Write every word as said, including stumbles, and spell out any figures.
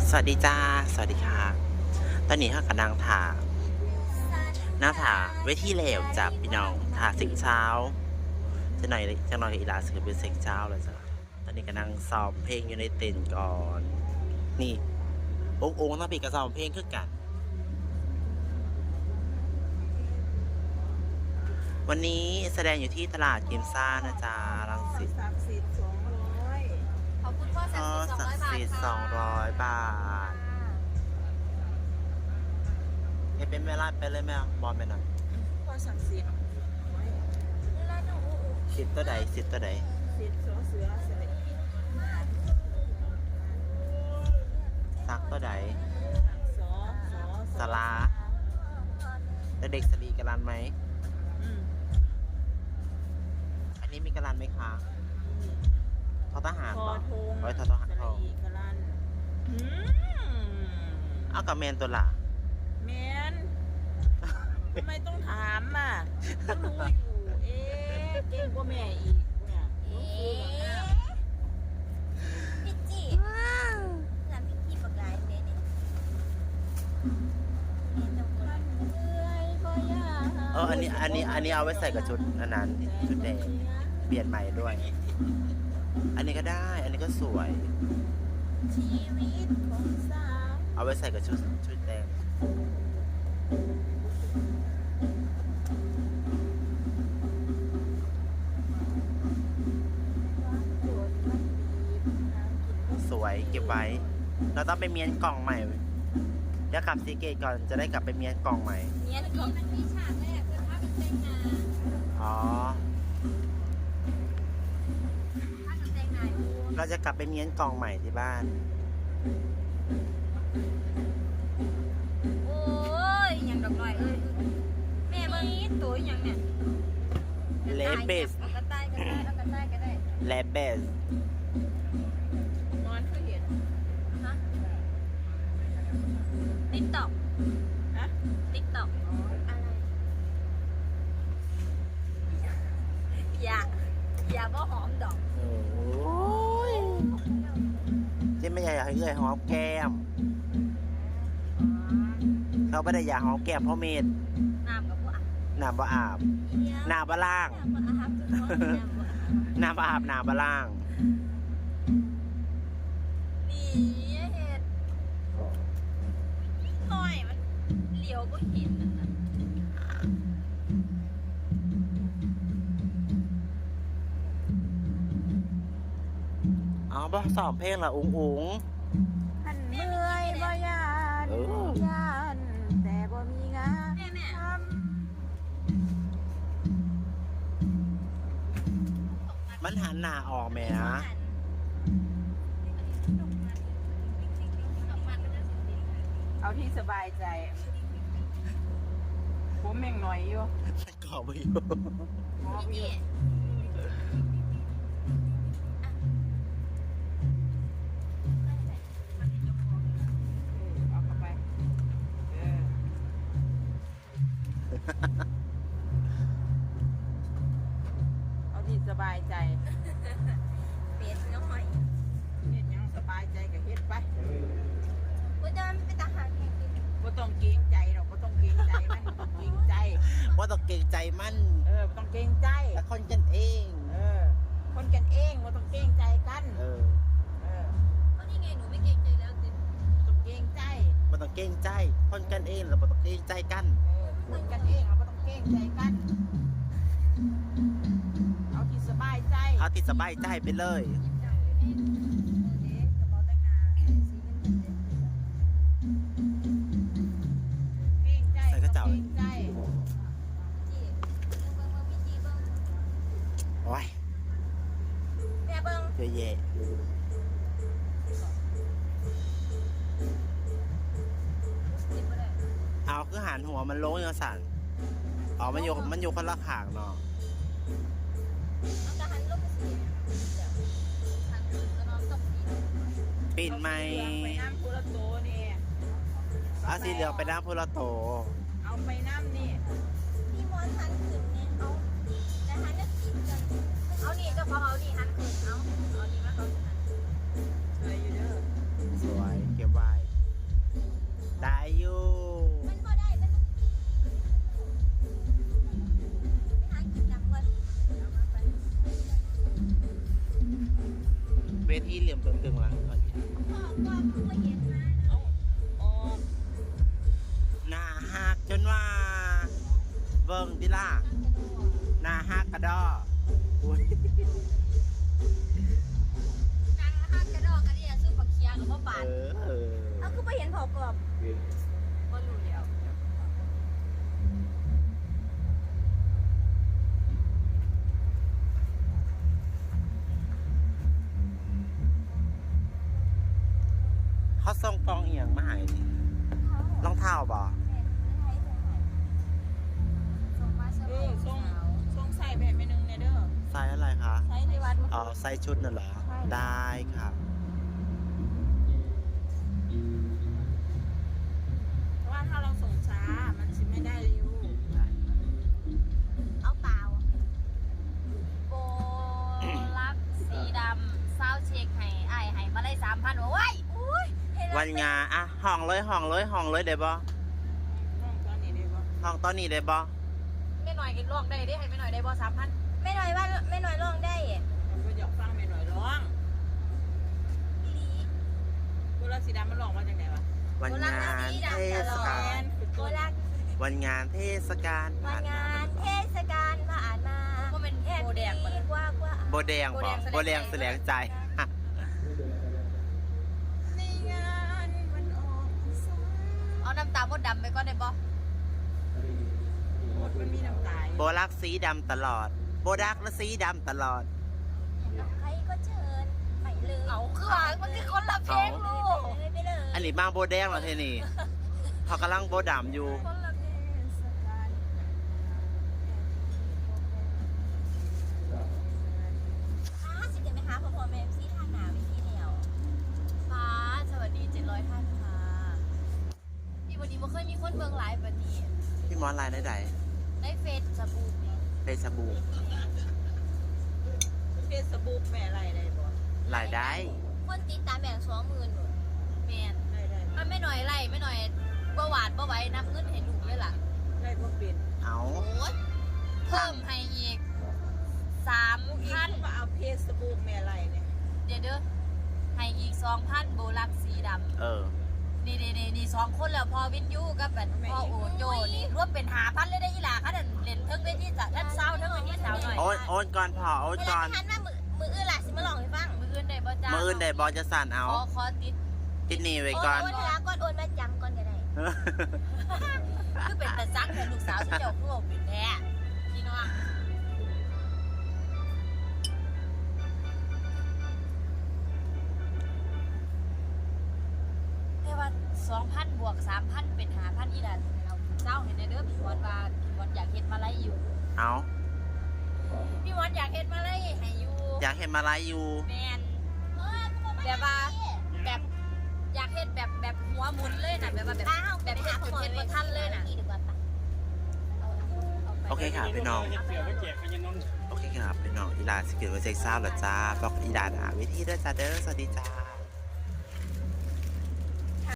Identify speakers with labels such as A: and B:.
A: สวัสดีจ้าสวัสดีค่ะตอนนี้ข้ากำลังถ่าหน้าถ่าเวทีเหลวจับพี่น้องถ่าสิงเช้าจะหน่อยจะหน่อยอีลาสือเป็นเซ็กเช้าเลยจ้ะตอนนี้กำลังซ้อมเพลงอยู่ในเต็นท์ก่อนนี่องค์องค์ต้องปีกระซ้อมเพลงคือกันวันนี้แสดงอยู่ที่ตลาดกิมซ่านะจ๊ะรังสิต
B: ศักดิ์สิทธิ์สองร้อย
C: ขอบคุณพ่อศักดิ์สิทธิ์สองร้อยบาทค่ะ
A: สองร้อยบาทให้เป็นเวลาไปเลยไหมบอลไปหน่อย
B: พ่อศักดิ์สิทธิ์ไว้
C: แล้วหนู
A: สิทธิ์ตัวใดสิทธิ์ตัวใด
B: สิทธิ์สอเสือเสือ
A: ซักตัวใด
B: สอสอ
A: สลาแล้วเด็กสลีกรันไหม
B: อืม
A: อันนี้มีกรันไหมคะทอทหาร
B: คอ
A: ป่ะ
B: ทง
A: ไว้ทอทหาร
B: ส
A: ท
B: ระ
A: อง
B: อีกรันอืม
A: เอากับแมนตัวละ
B: แมนทำไมต้องถามอ่ะก็รู้อยู่เอ๊ะเก่งกว่าแม่อีกเนี่ย
C: เอ๊
B: ต้องซื้อแบบนั้น
C: ะพี่จีร้านพี่จีปากกายเด้เนี่ยเห็นตรงนี้เอ้ยบ่อยาก
A: เอออันนี้อันนี้อันนี้เอาไว้ใส่กับชุดอันนั้นชุดแดงเปลี่ยนใหม่ด้วย อันนี้ก็ได้ อันนี้ก็สวย
B: ชีวิตของสาว
A: เอาไว้ใส่กับชุดชุดแดงสวยเก็บไว้ เราต้องไปเมียนกล่องใหม่เดี๋ยวกลับซีเกตก่อนจะได้กลับไปเมียนกล่องใหม่
C: เนี่ยที่มันมีฉากแรกคือภาพเป็นเต้นนา
A: อ๋อ
C: ภาพเป็นเต้นนาดู
A: เราจะกลับไปเมียนกล่องใหม่ที่บ้าน
C: โอ้ยยังดอกหน่อยเอ้ยแม่เบิ่งตัวอย่างเนี่ย
A: เลเบส
C: เอากระต่ายก็ได้เอากระต่ายก็ได้
A: เลเบส
B: นอนคือเห็น
C: ฮะติ๊กต็อก
B: ฮะ
C: ติ๊กต็อกอะไรอย่าอย่าบ่หอมดอก
A: โอ้ยเจ๊ไม่อยากให้เอื้อยหอมแก้ม เขาไม่ได้อยากหอมแก้มเพราะเมด
C: น้ำกับพวก
A: น้ำบ่อาบ น้ำบ่ล่าง
C: น้ำบ่อาบจุดน้อยน้ำบ่อาบ
A: น้ำบ่อาบน้ำบ่ล่าง
C: นี่เห็ดหน่อยมันเหลียวก็เห็นนั่นน่ะ
A: เอาบ่สอบเพลงละอุ้งอุ้ง
B: หันเมื่อยบ่ยาน
A: เออ
B: ยานแต่บ่มีงาน
C: แม่แม่
B: ท
A: มันหันหน้าออกแหม่นะ
B: ำเอาที่สบายใจ ผมยังหน่อยอยู่
A: มันกรอบไปอยู่
B: หอมอยู่เอาเข้าไปเออเอาที่สบายใจ
C: เป็ดน้อย
B: เฮ็ดหยังสบายใจก็เฮ็ดไป
C: ว่าจะเป็นทหารแข่งกิน
B: บ่ต้องเกรงใจหรอกบ่ต้องเกรงใจมันบ่ต้องเกรงใจ
A: ว่าต้องเกรงใจมัน
B: เออบ่ต้องเกรงใจ
A: แต่คนกันเอง
B: เออ คนกันเองบ่ต้องเกรงใจกัน
A: เออ
B: เออ
C: เพราะนี่ไงหนูไม่เกรงใจแล้วติ
B: บ่ต้องเกรงใจ
A: มันต้องเกรงใจ คนกันเองแล้วมันต้องเกรงใจกัน
B: เออคนกันเองเราบ่ต้องเกรงใจกัน เอาที่สบายใจ
A: เอาที่สบายใจไปเลย
C: เด็กกระเป๋าแต่งงานสีเงินเด็ก
B: เกรงใจ
A: ใส่กระเจ้า
B: เกรงใจ
C: จีเบิ้งเบิ้งพี่จีเบิ้ง
A: โอ้ย
C: แม่เบิ้ง
A: เยอะแยะ
C: จีบ่ได้
A: เอาคือหันหัวมันลงยังสั่นอ๋อมันอยู่มันอยู่คนละขางเนาะ
C: เอากระหันลงสีเดี๋ยวทางคืนก็นอนตกสี
A: ปิ่นไหม
B: เอาไปน้ำพุระโตนี่
A: เอาสีเหลืองไปน้ำพุระโต
B: เอาไปน้ำนี่
C: พี่มอนหันขึ้นเนี่ยเอาแต่หันจะกินกันเอานี่เจ้าของเอานี่หันขึ้นเอาเอานี่มาเขาหัน
B: สวยอยู่เด้อ
A: สวยเก็บไว้ที่เหลี่ยมตึงๆหลังก่อน
B: เอาออก
A: หน้าหักจนว่า เบิ่งดิล่ะหน้าหักกระดออุ้ย
C: นางฮักกระดอกกระเดียซื้อผักเคียงกับพ่อบา
A: เอ
C: ท
A: อเออ
C: เอาคือไปเห็นเผากรอบก็รู้แล้ว
A: เขาส่งฟองเอียงมาให้นี่รองเท้าบ่
C: ส่งมาเสื้อ
B: เอ
C: ผ้า
B: อส่งส่งใส่แบบไม่นึงเนี่ยเด้อ
A: ไซส์อะไรคะ
C: ใช้ในวัด
A: อ๋อไซส์ชุดน่ะเหรอ ได้ค่ะ
B: เพราะว่าถ้าเราส่งช้ามันสิไม่ได้ริ้ว
C: เอาเปล่าโบลักสีดำเศร้าเช็คให้ไอ้ายให้มาเลยสามพันโอ้ยอุ้ยเห็นแล้ว
A: วันงานอ่ะห้องเลยห้องเลยห้องเลยได้บ่
B: ห้องตอนนี้ได้ปะ
A: ห้องตอนนี้ได้บ่
C: ไม่หน่อยกินลอกได้ดิให้ไม่หน่อยได้บ่สามพันไม่หน่อยว่าไม่หน่อยลองได้
B: มันก็อยากฟังแม่หน่อยร้อง
C: อีหลี
B: กุหลาบสีดำมันหลอกมาจากไหนวะ
A: วันงานเทศกาล
C: โบลัก
A: วันงานเทศกาล
C: วันงานเทศกาลผ่านมาก็เป็นโบแดงกว่ากว่า
A: โบแดงบ่โบแดงแสลงใจ
B: ในงานมันออกพรรษา
C: เอาน้ำตาลมดดำไปก็ได้บ่
B: หมดมันมีน้ำตาล
A: โบลักสีดำตลอด โบดักและสีดำตลอด
C: ใครก็เชิญไปเลยเอาคือว่ามันคือคนละเพลงลูกไปเลย
A: อันนี้มาโบแดงเหรอเทนี่เขากำลังโบดำอยู่
C: คนละเพลงสกาลอ้าสิเดี๋ยวไปหาพ่อพ่อแม่ซีทางหนาไปที่เดียวฟ้าสวัสดีเจ็ดร้อยท่านค่ะพี่วันนี้บ่เคยมีคนเบิ่งไลฟ์แบบนี้
A: พี่มอนไลน์ได้ไหน
C: ได้เฟซสบู่นี่
A: เฟซบุ๊ก
B: เฟซบุ๊กแม่อะไรได้ปะ
A: ไลน์ได้
C: คนติดตามแบ่งสองหมื่นแมน
B: ได้ได้
C: ถ้าไม่หน่อยไล่ไม่หน่อยบ่หวาดบ่ไหว้นับเงินให้ลูกเลยล่ะ
B: ได้พวกเป็น
A: เอา
C: โอ้ยเพิ่มให้อีกสาม
B: พวกอีก
C: พัน
B: มาเอาเฟซบุ๊กแม่อะไรเนี่ย
C: เดี๋ยวเด้อให้อีกสองพันโบลักสีด
A: เออ
C: ำนี่นี่นี่นี่สองคนแล้วพอวินยูกับแบบพ่อโอโจนี่รวมเป็นหาพันเลยได้อีหล่ะค่ะเดินเล่นเทิงเวทีจ้ะท่านเศร้าเทิงเวทีสาวหน่อย
A: โอนโอนก่อนพอโอน
C: เว
A: ก่
C: ลา
A: อน
C: ที่ทันว่ามือมืออื่นล่ะสิมาลองให้ฟังมืออื่นได้บ่จ้า
A: มืออื่นได้บอลจะสั่นเอา
C: ขอขอติด
A: ติดหนี่ไว้ก่อน
C: โอนเวลาก่อนโอนมาจำก่อนก็ได้ คือเป็นตาซักแต่ลูกสาวที่เจ้าคู่เป็นแท้พี่น้องแต่ว่าสองพันบวกสามพันเป็นห้าพันอีดันเราเจ้าเห็นในเด้อพี่วอนว่าพี่วอนอยากเฮ็ดมาไล่อยู่
A: เอา
C: พี่วอนอยากเฮ็ดมาไล่ให้อยู่
A: อยากเห็นมาไลฟ์อยู่
C: แมนแบบว่าแบบอยากเฮ็ดแบบแบบหัวหมุนเลยนะแบบว่าแบบแบบเฮ็ดจนเฮ็ดบ่ทันเลยนะ
A: โอเคค่ะพี่น้อง
D: เสือไปแจกไปยังน้อง
A: โอเคครับพี่น้องอีหลานสกิลเวอร์เซ็กซ่าเหรอจ้าบอกอีหลานอ่ะวิธีด้วยจ้าเด้อสวัสดีจ้า